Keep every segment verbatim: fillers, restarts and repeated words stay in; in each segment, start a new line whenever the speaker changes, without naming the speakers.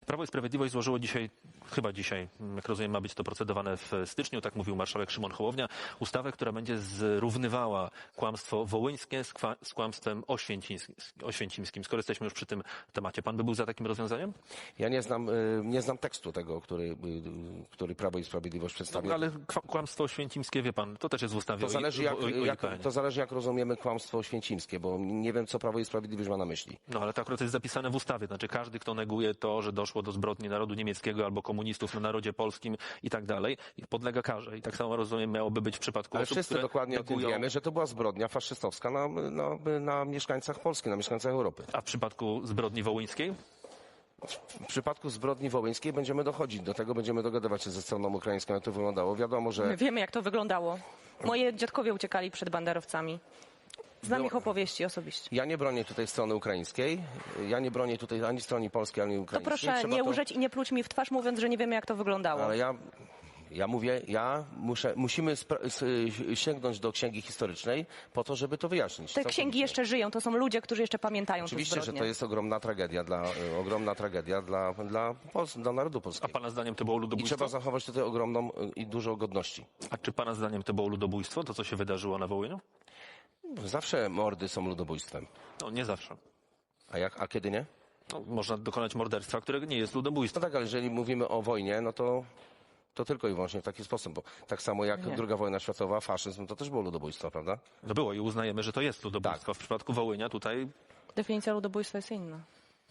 Prawo i Sprawiedliwość złożyło dzisiaj, chyba dzisiaj, jak rozumiem, ma być to procedowane w styczniu, tak mówił marszałek Szymon Hołownia, ustawę, która będzie zrównywała kłamstwo wołyńskie z, kwa, z kłamstwem oświęcimskim, oświęcimskim. Skoro jesteśmy już przy tym temacie, pan by był za takim rozwiązaniem?
Ja nie znam, nie znam tekstu tego, który, który Prawo i Sprawiedliwość przedstawia.
No, ale kłamstwo oświęcimskie, wie pan, to też jest w ustawie.
To zależy, jak,
o, o, o
jak, to zależy jak rozumiemy kłamstwo oświęcimskie, bo nie wiem, co Prawo i Sprawiedliwość ma na myśli.
No ale to akurat jest zapisane w ustawie. Znaczy każdy, kto neguje to, że doszło do zbrodni narodu niemieckiego albo komunistów na narodzie polskim i tak dalej, podlega karze. I tak samo, rozumiem, miałoby być w przypadku
Ale
osób,
wszyscy
które
dokładnie
negują...
o tym wiemy, że to była zbrodnia faszystowska na, na, na mieszkańcach Polski, na mieszkańcach Europy.
A w przypadku zbrodni wołyńskiej?
W przypadku zbrodni wołyńskiej będziemy dochodzić do tego, będziemy dogadywać się ze stroną ukraińską, jak to wyglądało. Wiadomo, że...
My wiemy, jak to wyglądało. Moi dziadkowie uciekali przed banderowcami. Znam
Było...
ich opowieści osobiście.
Ja nie bronię tutaj strony ukraińskiej. Ja nie bronię tutaj ani strony polskiej, ani ukraińskiej.
To proszę
Trzeba
nie
to...
użyć i nie pluć mi w twarz, mówiąc, że nie wiemy, jak to wyglądało.
Ale ja... Ja mówię, ja muszę, musimy sięgnąć do księgi historycznej po to, żeby to wyjaśnić.
Te księgi jeszcze żyją, to są ludzie, którzy jeszcze pamiętają
Oczywiście,
te
że
zbrodnie.
to jest ogromna tragedia dla, ogromna tragedia dla, dla, Pols dla narodu polskiego.
A pana zdaniem to było
I
ludobójstwo?
trzeba zachować tutaj ogromną i dużo godności.
A czy pana zdaniem to było ludobójstwo, to co się wydarzyło na Wołyniu?
Zawsze mordy są ludobójstwem.
No nie zawsze.
A jak, a kiedy nie?
No, można dokonać morderstwa, które nie jest ludobójstwem.
No tak, ale jeżeli mówimy o wojnie, no to to tylko i wyłącznie w taki sposób, bo tak samo jak
Nie.
druga wojna światowa, faszyzm, to też było ludobójstwo, prawda?
No było i uznajemy, że to jest ludobójstwo.
Tak.
W przypadku Wołynia tutaj...
Definicja ludobójstwa jest inna.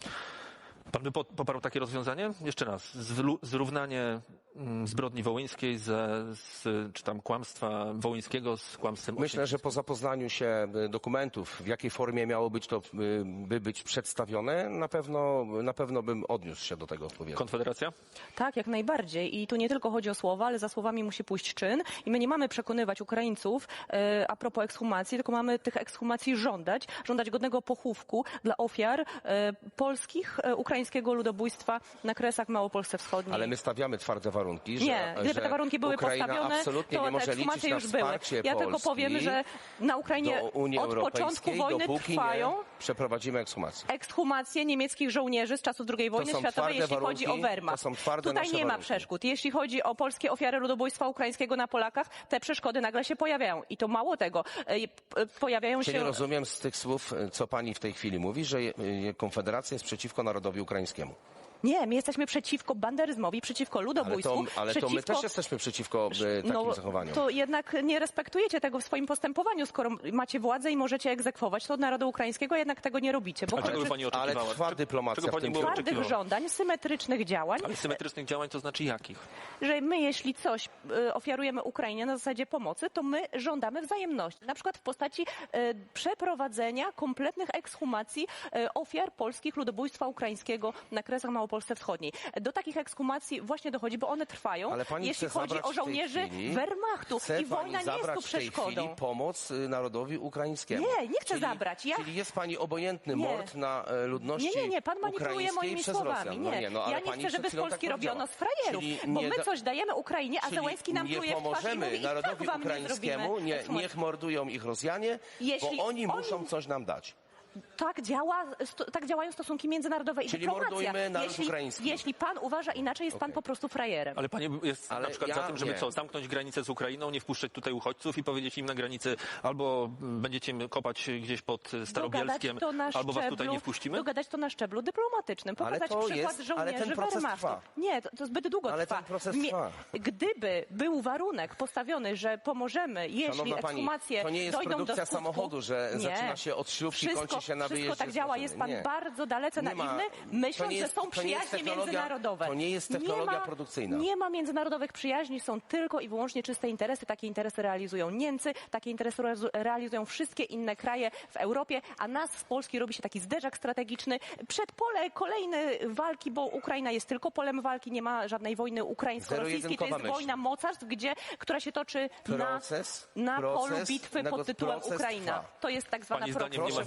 Pan by poparł takie rozwiązanie? Jeszcze raz. Zrównanie zbrodni wołyńskiej ze, z, czy tam kłamstwa wołyńskiego z kłamstwem
Myślę, że po zapoznaniu się dokumentów, w jakiej formie miało być to by być przedstawione, na pewno, na pewno bym odniósł się do tego odpowiednio.
Konfederacja?
Tak, jak najbardziej. I tu nie tylko chodzi o słowa, ale za słowami musi pójść czyn. I my nie mamy przekonywać Ukraińców e, a propos ekshumacji, tylko mamy tych ekshumacji żądać, żądać godnego pochówku dla ofiar e, polskich, e, ukraińskiego ludobójstwa na Kresach Małopolsce Wschodniej.
Ale my stawiamy twarde warunki, że,
Nie, gdyby
że
te warunki były
Ukraina
postawione,
absolutnie
to
nie
te
może liczyć
ekshumacje
na
już były.
wsparcie
Ja tylko
Polski
powiem, że na Ukrainie
do Unii
od początku
Europejskiej,
wojny
dopóki
trwają
nie przeprowadzimy ekshumację.
ekshumacje niemieckich żołnierzy z czasów drugiej wojny
są
światowej, jeśli
twarde
chodzi o
warunki,
Wehrmacht.
to są twarde
Tutaj
nasze
nie ma
warunki.
przeszkód. Jeśli chodzi o polskie ofiary ludobójstwa ukraińskiego na Polakach, te przeszkody nagle się pojawiają. I to mało tego, e, pojawiają
Czyli
się...
rozumiem z tych słów, co pani w tej chwili mówi, że Konfederacja jest przeciwko narodowi ukraińskiemu.
Nie, my jesteśmy przeciwko banderyzmowi, przeciwko ludobójstwu.
Ale to, ale
przeciwko...
to my też jesteśmy przeciwko e, takim
no,
zachowaniom.
To jednak nie respektujecie tego w swoim postępowaniu. Skoro macie władzę i możecie egzekwować to od narodu ukraińskiego, a jednak tego nie robicie. Bo
A czego by
kończy-
pani
Ale
oczekiwała?
trwa
Czy-
dyplomacja
czego
w
pani
tym
by
kierunku.
twardych
oczekiwała?
żądań, symetrycznych działań,
Ale symetrycznych działań to znaczy jakich?
że my, jeśli coś y, ofiarujemy Ukrainie na zasadzie pomocy, to my żądamy wzajemności. Na przykład w postaci y, przeprowadzenia kompletnych ekshumacji y, ofiar polskich ludobójstwa ukraińskiego na Kresach Małopolsce Wschodniej. Do takich ekshumacji właśnie dochodzi, bo one trwają,
Ale pani
jeśli
chce
chodzi
zabrać
o
w tej
żołnierzy
chwili-
Wehrmachtu.
Chce
I wojna
pani
nie jest
zabrać
tu
w tej
przeszkodą.
chwili pomoc y, narodowi ukraińskiemu.
Nie, nie chcę
czyli,
zabrać. Ja-
Czyli jest pani obojętny
Nie.
mord na e, ludności
Nie, nie, nie, pan manipuluje
ukraińskiej
moimi
przez
słowami.
Rosjan.
Nie,
No nie, no, ale
ja nie
pani
chcę,
przed
żeby z
chwilą
Polski
tak
robiono z
powiedziała.
frajerów,
Czyli
bo
nie
my
da-
coś dajemy Ukrainie, a
Czyli
Zełenski nam
nie
pluje w twarz i
pomożemy
mówi, i tak
narodowi
wam nie
ukraińskiemu,
zrobimy
nie,
ekshumacji.
niech mordują ich Rosjanie,
Jeśli
bo oni
oni-
muszą coś nam dać.
Tak, działa, sto, tak działają stosunki międzynarodowe i
Czyli
dyplomacja.
mordujmy naród
jeśli,
ukraiński.
jeśli pan uważa inaczej, jest pan
Okej.
po prostu frajerem.
Ale pani jest
Ale
na przykład
ja
za tym, żeby
nie.
co, zamknąć granicę z Ukrainą, nie wpuszczać tutaj uchodźców i powiedzieć im na granicy albo będziecie im kopać gdzieś pod Starobielskiem,
Dogadać to na
albo was tutaj
szczeblu-
nie wpuścimy?
Dogadać to na szczeblu dyplomatycznym.
Ale
Pokazać
to
przykład
jest- ale
żołnierzy
ten proces
Wehrmachtu.
trwa.
Nie, to, to zbyt długo
Ale
trwa.
ten proces
Mie-
trwa.
Gdyby był warunek postawiony, że pomożemy, jeśli
Szanowna pani,
ekshumacje
to nie jest
dojdą do
produkcja
skutku,
samochodu, że
nie.
zaczyna się od śrubki,
wszystko,
kończy się na
Wszystko
wyjeździe
tak
z
działa.
maszyny.
Jest pan
Nie.
bardzo dalece
Nie ma-
naiwny,
to
myśląc,
nie jest-
że są
to nie jest
przyjaźnie
technologia-
międzynarodowe.
to nie jest technologia
nie ma,
produkcyjna.
Nie ma międzynarodowych przyjaźni, są tylko i wyłącznie czyste interesy. Takie interesy realizują Niemcy, takie interesy realizu- realizują wszystkie inne kraje w Europie, a nas z Polski robi się taki zderzak strategiczny. Przed pole kolejne walki, bo Ukraina jest tylko polem walki, nie ma żadnej wojny ukraińsko-rosyjskiej. To
Zero-jedynkowa
jest
myśl.
wojna mocarstw, gdzie, która się toczy
Proces-
na, na
proces
polu bitwy
nego-
pod tytułem
proces
Ukraina.
trwa.
To jest tak zwana
Pani
proces.
zdaniem nie ma
Proszę
wojny, nie ma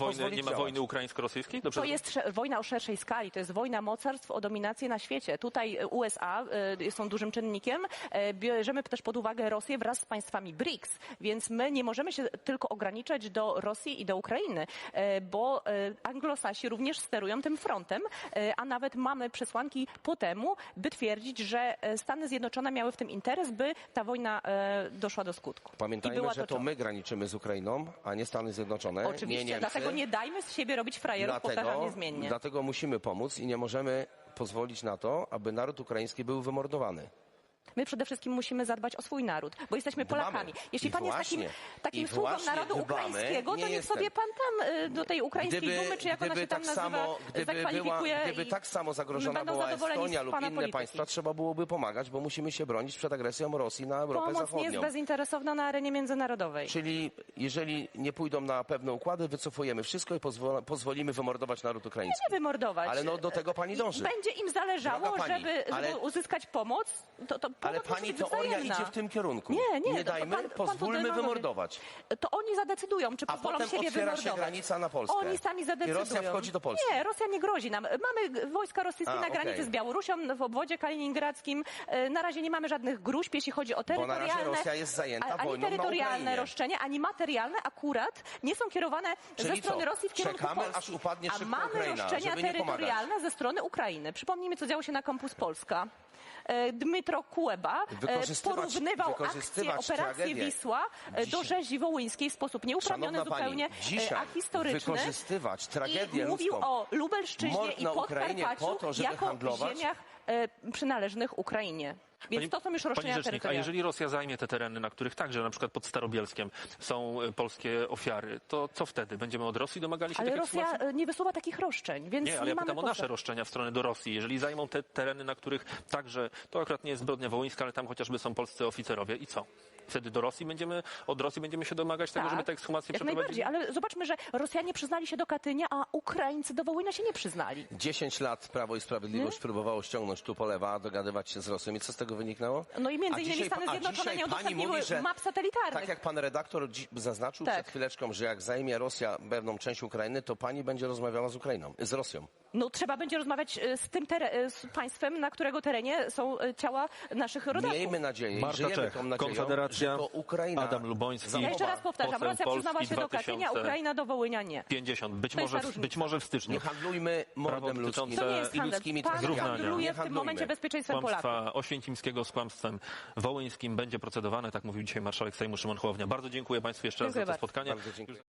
nie ma
działać.
wojny ukraińsko-rosyjskiej? Dobrze
To jest sze- wojna o szerszej skali, to jest wojna mocarstw o dominację na świecie. Tutaj e, U S A e, są dużym czynnikiem. E, bierzemy też pod uwagę Rosję wraz z państwami B R I C S, więc my nie możemy się tylko ograniczać do Rosji i do Ukrainy, e, bo e, anglosasi również sterują tym frontem, e, a nawet mamy przesłanki po temu, by twierdzić, że e, Stany Zjednoczone miały w tym interes, by ta wojna e, doszła do skutku. I
Pamiętajmy,
była
że to
toczona.
my graniczymy z Ukrainą, a nie Stany Zjednoczone,
Oczywiście,
nie Niemcy.
dlatego nie dajmy z siebie robić frajerów, powtarzam
Dlatego,
niezmiennie.
dlatego musimy pomóc i nie możemy pozwolić na to, aby naród ukraiński był wymordowany.
My przede wszystkim musimy zadbać o swój naród, bo jesteśmy
Dbamy.
Polakami. Jeśli
I
pan jest takim,
właśnie-
takim
i
sługą
właśnie
narodu
dbamy.
ukraińskiego, to
Nie
niech
jestem.
sobie pan tam y, do tej ukraińskiej dumy, czy jak ona
gdyby
się tam
tak
nazywa,
samo, gdyby była,
zakwalifikuje
gdyby
i
tak samo zagrożona
będą
była
zadowoleni
Estonia
z
lub
pana
inne
polityki.
państwa, trzeba byłoby pomagać, bo musimy się bronić przed agresją Rosji na Europę
Pomoc nie
Zachodnią.
jest bezinteresowna na arenie międzynarodowej.
Czyli jeżeli nie pójdą na pewne układy, wycofujemy wszystko i pozwol, pozwolimy wymordować naród ukraiński.
Nie wymordować.
Ale no do tego pani dąży.
Będzie im zależało,
Droga pani,
żeby,
ale-
żeby uzyskać pomoc, to, to
Ale
pomoc musi
pani
być
teoria
wzajemna.
idzie w tym kierunku.
Nie, nie,
Nie
to
dajmy,
pan- pan
pozwólmy
to demagogie.
wymordować.
To oni zadecydują, czy
A
pozwolą
potem
siebie
otwiera się
wymordować.
granica na Polskę.
Oni sami zadecydują.
I Rosja wchodzi do Polski.
Nie, Rosja nie grozi nam. Mamy wojska rosyjskie
A,
na granicy
okej.
z Białorusią, w obwodzie kaliningradzkim. E, Na razie nie mamy żadnych gruźb, jeśli chodzi o
na
terytorialne,
razie Rosja jest zajęta
a- ani
wojną na
terytorialne
Ukrainie.
roszczenia, ani materialne akurat nie są kierowane
Czyli
ze strony
co?
Rosji w kierunku
Czekamy,
Polski.
aż upadnie
A
szybko
mamy
Ukraina,
roszczenia
żeby nie pomagać.
terytorialne ze strony Ukrainy. Przypomnijmy, co działo się na Campus Polska. E, Dmytro Kuleba e,
Wykorzystywać-
porównywał akcję
wykorzystywać
operacji
tragedię.
Wisła e, do
Dzisiaj-
rzezi wołyńskiej w sposób nieuprawniony
Szanowna
zupełnie,
pani,
e,
dzisiaj
a historyczny.
wykorzystywać tragedię
I mówił
ludzką,
o Lubelszczyźnie
mord
i
na Ukrainie
Podkarpaciu
po to, żeby
jako
handlować?
ziemiach e, przynależnych Ukrainie. Więc
Pani-
to są już
Pani
roszczenia
rzecznik, a
terytorialne.
jeżeli Rosja zajmie te tereny, na których także, na przykład pod Starobielskiem, są e, polskie ofiary, to co wtedy? Będziemy od Rosji domagali się
Ale
takiej
Rosja
sytuacji?
e, nie wysuwa takich roszczeń, więc
Nie,
nie,
ale ja
mamy
pytam o
podstaw.
nasze roszczenia w stronę do Rosji. Jeżeli zajmą te tereny, na których także, to akurat nie jest zbrodnia wołyńska, ale tam chociażby są polscy oficerowie i co? Wtedy do Rosji będziemy, od Rosji będziemy się domagać tego, żeby te ekshumacje
jak
przeprowadzić?
najbardziej, ale zobaczmy, że Rosjanie przyznali się do Katynia, a Ukraińcy do Wołynia się nie przyznali.
dziesięć lat Prawo i Sprawiedliwość próbowało ściągnąć tu polewa, dogadywać się z Rosją. I co z tego wyniknęło?
No i między
A
innymi
dzisiaj
Stany
pa- a
Zjednoczone
dzisiaj
nie
pani
udostępniły
mówi, że
map satelitarnych.
Tak jak pan redaktor dzi- zaznaczył
Tak.
przed chwileczką, że jak zajmie Rosja pewną część Ukrainy, to pani będzie rozmawiała z Ukrainą, z Rosją.
No trzeba będzie rozmawiać e, z tym tere- e, z państwem, na którego terenie są e, ciała naszych rodaków.
Miejmy nadzieję i
Marta
żyjemy
Czech,
tą nadzieją,
Konfederacja,
że to Ukraina
Adam Luboński.
zachowa-
Ja jeszcze raz powtarzam,
Poseł
Rosja przyznała
Polski
się do Katynia,
dwa tysiące
Ukraina do Wołynia nie.
pięćdziesiąt, być
To jest
może,
ta
w,
różnica.
być może w styczniu.
Nie handlujmy mordem
Prawo
ludzkim
dotyczące-
To nie jest
i
handel.
ludzkimi
Pan
tragediami.
handluje
Nie
w tym
handlujmy.
momencie bezpieczeństwem Polaków.
Kłamstwa Oświęcimskiego z kłamstwem wołyńskim będzie procedowane, tak mówił dzisiaj marszałek Sejmu Szymon Hołownia. Bardzo dziękuję Państwu jeszcze raz
Dziękuję
za to
bardzo.
spotkanie.
Bardzo dziękuję.